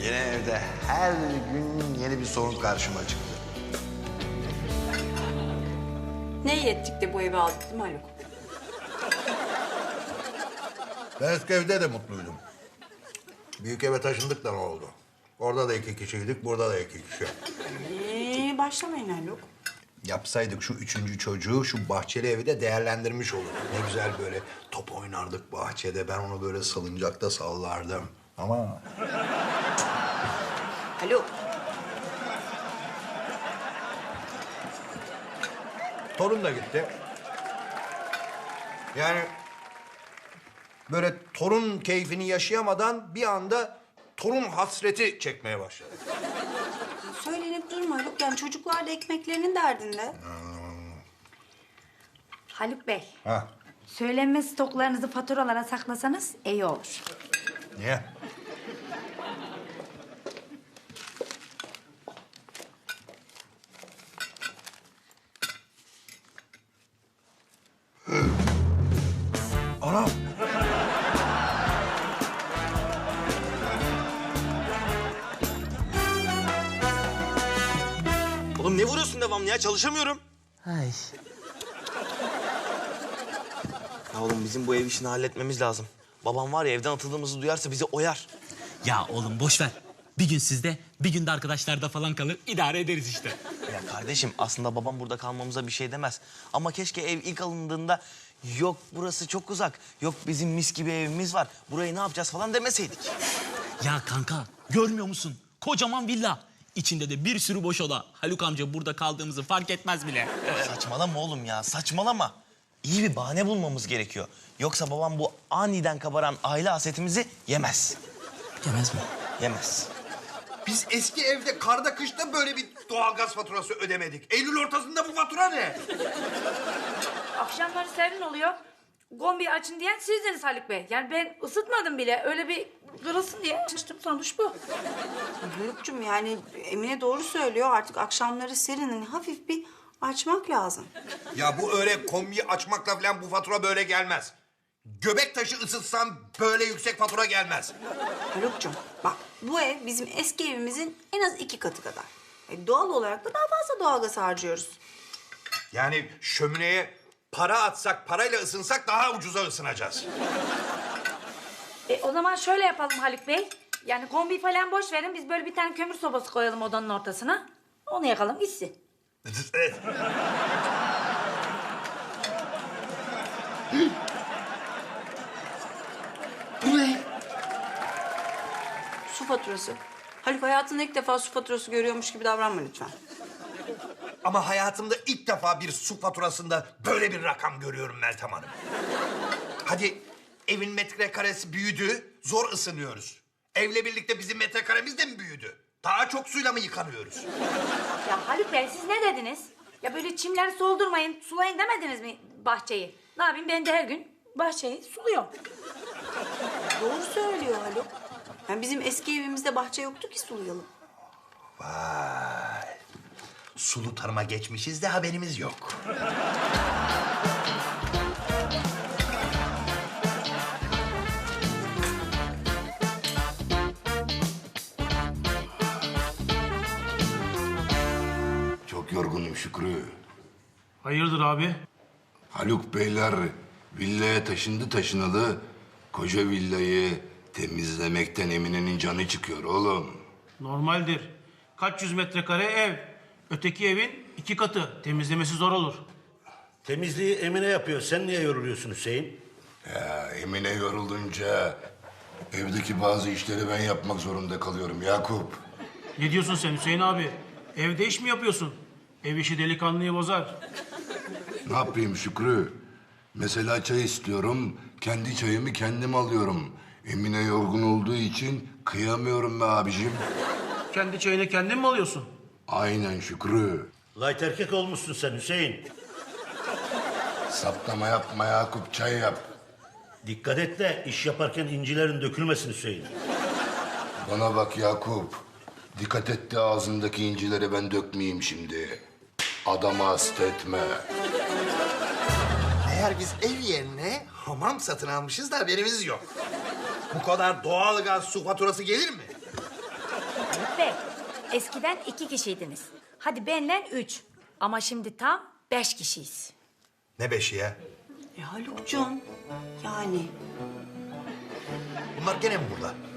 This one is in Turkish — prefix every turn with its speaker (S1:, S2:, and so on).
S1: Yine evde her gün yeni bir sorun karşıma çıktı.
S2: Ne iyi ettik de bu evi aldık değil mi Haluk?
S3: Ben eski evde de mutluydum. Büyük eve taşındık da ne oldu? Orada da 2 kişiydik, burada da 2 kişi.
S2: Başlamayın Haluk.
S3: Yapsaydık şu 3. çocuğu şu bahçeli evi de değerlendirmiş olurduk. Ne güzel böyle top oynardık bahçede. Ben onu böyle salıncakta sallardım. Ama
S2: Haluk.
S3: torun da gitti. Yani böyle torun keyfini yaşayamadan bir anda torun hasreti çekmeye başladı.
S2: Söylenip durma Haluk. Yani çocuklar da ekmeklerinin derdinde.
S4: Haluk Bey,
S3: Ha,
S4: söylenme stoklarınızı faturalara saklasanız iyi olur.
S3: niye? Anam!
S5: Oğlum ne vuruyorsun devamlı ya? Çalışamıyorum.
S6: Ay.
S5: Ya oğlum bizim bu ev işini halletmemiz lazım. Babam var ya evden atıldığımızı duyarsa bizi oyar.
S6: Ya oğlum boş ver. Bir gün sizde, bir gün de arkadaşlarda falan kalır. İdare ederiz işte.
S5: Ya kardeşim aslında babam burada kalmamıza bir şey demez. Ama keşke ev ilk alındığında yok burası çok uzak, yok bizim mis gibi evimiz var, burayı ne yapacağız falan demeseydik.
S6: Ya kanka görmüyor musun? Kocaman villa. İçinde de bir sürü boş oda. Haluk amca burada kaldığımızı fark etmez bile.
S5: Saçmalama oğlum ya, saçmalama. İyi bir bahane bulmamız gerekiyor. Yoksa babam bu aniden kabaran aile hasetimizi yemez.
S6: Yemez mi?
S5: Yemez.
S3: Biz eski evde karda kışta böyle bir doğalgaz faturası ödemedik. Eylül ortasında bu fatura ne?
S4: Akşamları serin oluyor. Kombi açın diyen sizdiniz Haluk Bey. Yani ben ısıtmadım bile. Öyle bir kırılsın diye açtım, sonuç bu.
S2: Haluk'cum yani Emine doğru söylüyor. Artık akşamları serin. Hani hafif bir açmak lazım.
S3: Ya bu öyle kombiyi açmakla falan bu fatura böyle gelmez. Göbek taşı ısıtsam böyle yüksek fatura gelmez.
S2: Haluk'cum bak bu ev bizim eski evimizin en az 2 katı kadar. Doğal olarak da daha fazla doğalgaz harcıyoruz.
S3: Yani şömineye para atsak, parayla ısınsak daha ucuza ısınacağız.
S4: O zaman şöyle yapalım Haluk Bey. Yani kombi falan boş verin. Biz böyle bir tane kömür sobası koyalım odanın ortasına. Onu yakalım gitsin.
S3: Evet.
S2: Bu ne? Su faturası. Haluk hayatında ilk defa su faturası görüyormuş gibi davranma lütfen.
S3: Ama hayatımda ilk defa bir su faturasında böyle bir rakam görüyorum Meltem Hanım. Hadi evin metrekaresi büyüdü, zor ısınıyoruz. Evle birlikte bizim metrekaremiz de mi büyüdü? Daha çok suyla mı yıkanıyoruz?
S4: Ya Haluk Bey siz ne dediniz? Ya böyle çimleri soldurmayın, sulayın demediniz mi bahçeyi? Ne yapayım ben de her gün bahçeyi suluyorum.
S2: Doğru söylüyor Haluk. Yani bizim eski evimizde bahçe yoktu ki sulayalım.
S3: Vay. Sulu tarıma geçmişiz de haberimiz yok.
S7: Çok yorgunum Şükrü.
S8: Hayırdır abi?
S7: Haluk Beyler villaya taşındı taşınalı. Koca villayı temizlemekten Emine'nin canı çıkıyor oğlum.
S8: Normaldir. Kaç yüz metrekare ev. Öteki evin 2 katı. Temizlemesi zor olur.
S9: Temizliği Emine yapıyor. Sen niye yoruluyorsun Hüseyin?
S7: Ya Emine yorulunca evdeki bazı işleri ben yapmak zorunda kalıyorum Yakup.
S8: Ne diyorsun sen Hüseyin abi? Evde iş mi yapıyorsun? Ev işi delikanlıyı bozar.
S7: Ne yapayım Şükrü? Mesela çay istiyorum, kendi çayımı kendim alıyorum. Emine yorgun olduğu için kıyamıyorum be abicim.
S8: Kendi çayını kendin mi alıyorsun?
S7: Aynen Şükrü.
S9: Light erkek olmuşsun sen Hüseyin.
S7: Saplama yapma Yakup, çay yap.
S9: Dikkat et de iş yaparken incilerin dökülmesin Hüseyin.
S7: Bana bak Yakup. Dikkat et de ağzındaki incileri ben dökmeyeyim şimdi. Adamı hasta etme.
S3: Eğer biz ev yerine hamam satın almışız da haberimiz yok. Bu kadar doğalgaz su faturası gelir mi?
S4: Haluk Bey, eskiden 2 kişiydiniz. Hadi benle 3. Ama şimdi tam 5 kişiyiz.
S3: Ne beşi ya?
S2: Haluk'cum yani.
S3: Bunlar gene mi burada?